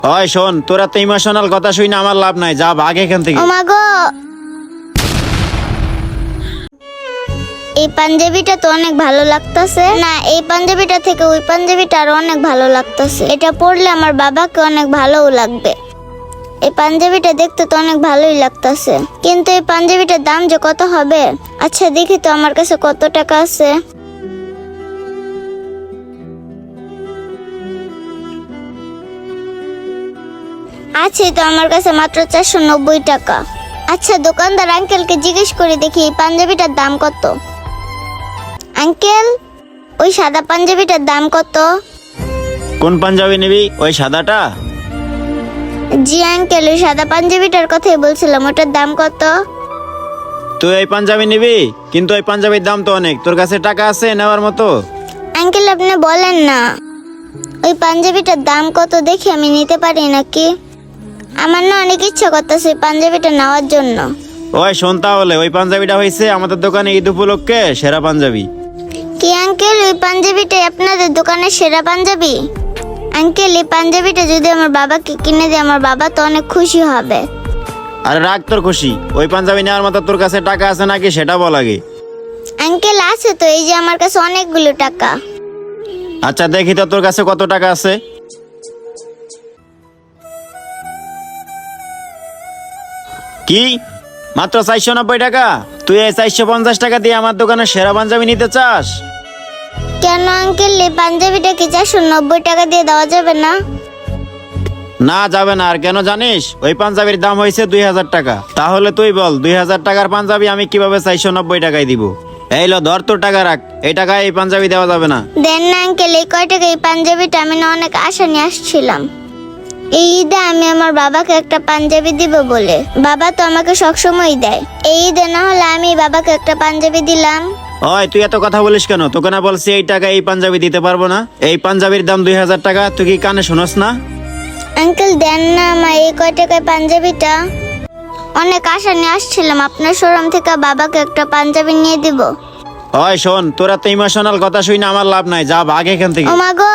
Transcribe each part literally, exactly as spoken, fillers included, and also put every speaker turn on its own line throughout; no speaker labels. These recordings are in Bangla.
ওই শোন, তোরা তো ইমোশনাল কথা শুনে আমার লাভ নাই, যা ভাগ এখান থেকে।
ও মা গো, এই পাঞ্জাবিটা তো অনেক ভালো লাগতেছে না, এই পাঞ্জাবিটা থেকে ওই পাঞ্জাবিটা আরো অনেক ভালো লাগতেছে। এটা পরলে আমার বাবাকে অনেক ভালোও লাগবে। এই পাঞ্জাবিটা দেখতে তো অনেক ভালোই লাগতেছে, কিন্তু এই পাঞ্জাবিটার দাম যে কত হবে। আচ্ছা দেখি তো আমার কাছে কত টাকা আছে। আছে তো আমার কাছে মাত্র চারশো নব্বই টাকা। আচ্ছা দোকানদার আঙ্কেলকে জিজ্ঞেস করে দেখি এই পাঞ্জাবিটার দাম কত। আঙ্কেল, ওই সাদা পাঞ্জাবিটার দাম কত?
কোন পাঞ্জাবি নিবি? ওই সাদাটা?
জি আঙ্কেল, ওই সাদা পাঞ্জাবিটার কথাই বলছিলাম, ওটার দাম কত?
তুই এই পাঞ্জাবি নিবি, কিন্তু ওই পাঞ্জাবির দাম তো অনেক। তোর কাছে টাকা আছে নেওয়ার মতো?
আঙ্কেল আপনি বলেন না, ওই পাঞ্জাবিটার দাম কত দেখি আমি নিতে পারি নাকি। আমার না অনেক ইচ্ছা করতেছে ওই পাঞ্জাবিটা নেওয়ার জন্য।
ওই শোন, তাহলে ওই পাঞ্জাবিটা হয়েছে আমাদের দোকানে ঈদ উপলক্ষে সেরা পাঞ্জাবি।
কি আঙ্কেল, ওই পাঞ্জাবিটাই আপনাদের দোকানের সেরা পাঞ্জাবি? আঙ্কেল এই পাঞ্জাবিটা যদি আমার বাবাকে কিনে দেয়, আমার বাবা তো অনেক খুশি হবে।
আরে রাগ তোর খুশি, ওই পাঞ্জাবি নেওয়ার মতো তোর কাছে টাকা আছে নাকি সেটা বল আগে।
আঙ্কেল আছে তো, এই যে আমার কাছে অনেকগুলো টাকা।
আচ্ছা দেখি তো তোর কাছে কত টাকা আছে। কি, মাত্র চারশো নব্বই টাকা? তুই এই চারশো পঞ্চাশ টাকা দিয়ে আমার দোকানে সেরা পাঞ্জাবি নিতে চাস?
কেন আঙ্কেল, এই পাঞ্জাবিটা কি চারশো নব্বই টাকা দিয়ে দেওয়া যাবে না?
না যাবে না। আর কেন জানিস? ওই পাঞ্জাবির দাম হয়েছে দুই হাজার টাকা। তাহলে তুই বল, দুই হাজার টাকার পাঞ্জাবি আমি কিভাবে চারশো নব্বই টাকায় দিব? এই লো ধর, তোর টাকা রাখ, এই টাকায় এই পাঞ্জাবি দেওয়া যাবে না।
দেন না আঙ্কেল, এই কয় টাকা এই পাঞ্জাবিটা আমি না অনেক আশা নিয়ে আসছিলাম। এই ঈদে আমি আমার বাবাকে একটা পাঞ্জাবি দিব বলে, বাবা তো আমাকে সবসময় দেয়। এই ঈদে না হলে আমি বাবাকে একটা পাঞ্জাবি দিলাম।
ওই তুই এত কথা বলিস কেন? তোকে না বলছি এই টাকা এই পাঞ্জাবি দিতে পারবো না? এই পাঞ্জাবির দাম দুই হাজার টাকা, তুই কি কানে শোনস না?
আঙ্কেল দেন না আমার এই কয় টাকায় পাঞ্জাবিটা, অনেক আশা নিয়ে আসছিলাম আপনার শোরুম থেকে বাবাকে একটা পাঞ্জাবি নিয়ে দিব।
ওই শোন, তোরা তো ইমোশনাল কথা শুনে আমার লাভ নাই, যা ভাগ এখান থেকে।
ও মা গো,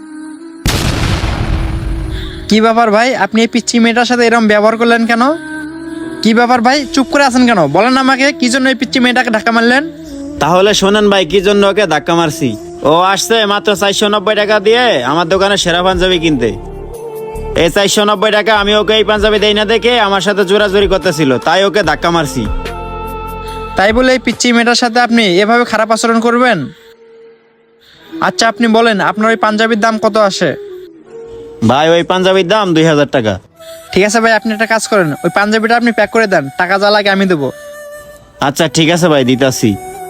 কি ব্যাপার ভাই, আপনি এই পিচ্চি মেয়েটার সাথে এরকম ব্যবহার করলেন কেন? কি ব্যাপার ভাই, চুপ করে আছেন কেন? বলেন আমাকে, কি জন্য এই পিচ্চি মেয়েটাকে ধাক্কা মারলেন?
তাহলে শোনেন ভাই, কি জন্য ওকে ধাক্কা মারছি। ও আসছে মাত্র চারশো নব্বই টাকা দিয়ে আমার দোকানে সেরা পাঞ্জাবি কিনতে। এই চারশো নব্বই টাকা আমি ওকে এই পাঞ্জাবি দেই না দেখে আমার সাথে জোরাজোরি করতেছিল, তাই ওকে ধাক্কা মারছি।
তাই বলে এই পিচ্চি মেয়েটার সাথে আপনি এভাবে খারাপ আচরণ করবেন? আচ্ছা আপনি বলেন, আপনার ওই পাঞ্জাবির দাম কত আসে?
ভাই ওই পাঞ্জাবির দাম দুই হাজার টাকা।
ঠিক আছে ভাই, আপনি একটা কাজ করেন, ওই পাঞ্জাবিটা আপনি প্যাক করে দেন, টাকা যা লাগে আমি দেবো।
আচ্ছা ঠিক আছে ভাই, দিতাছি।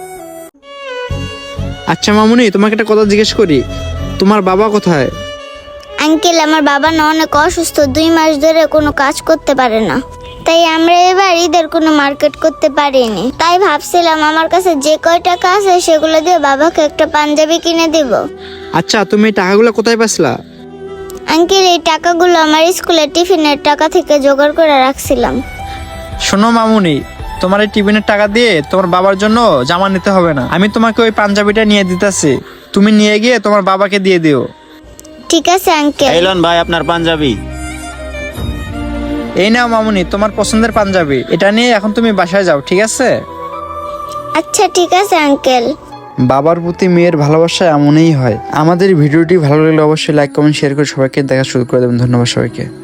আচ্ছা মামুনি, তোমাকে একটা কথা জিজ্ঞেস করি, তোমার বাবা কোথায়?
আঙ্কেল আমার বাবা না অনেক অসুস্থ, দুই মাস ধরে কোনো কাজ করতে পারে না, তাই আমরা এবার ঈদের কোনো মার্কেট করতে পারিনি। তাই ভাবছিলাম আমার কাছে যে কয় টাকা আছে সেগুলো দিয়ে বাবাকে একটা পাঞ্জাবি কিনে দিব।
আচ্ছা তুমি এই টাকাগুলো কোথায় পাইছিলা?
আঙ্কেল এই টাকাগুলো আমার স্কুলের টিফিনের টাকা থেকে জোগাড় করে রাখছিলাম।
শোনো মামুনি, তোমার এই টিফিনের টাকা দিয়ে তোমার বাবার জন্য জামা নিতে হবে না, আমি তোমাকে ওই পাঞ্জাবিটা নিয়ে দিতেছি, তুমি নিয়ে গিয়ে তোমার বাবাকে দিয়ে দিও।
ঠিক আছে আঙ্কেল।
এই লন ভাই আপনার পাঞ্জাবি।
এই নাও মামুনি, তোমার পছন্দের পাঞ্জাবি, এটা নিয়ে এখন তুমি বাসায় যাও, ঠিক আছে?
আচ্ছা ঠিক আছে আঙ্কেল।
বাবার প্রতি মেয়ের ভালোবাসা এমনই হয়। আমাদের ভিডিওটি ভালো লাগলে অবশ্যই লাইক কমেন্ট শেয়ার করে সবাইকে দেখা শুরু করে দেবেন। ধন্যবাদ সবাইকে।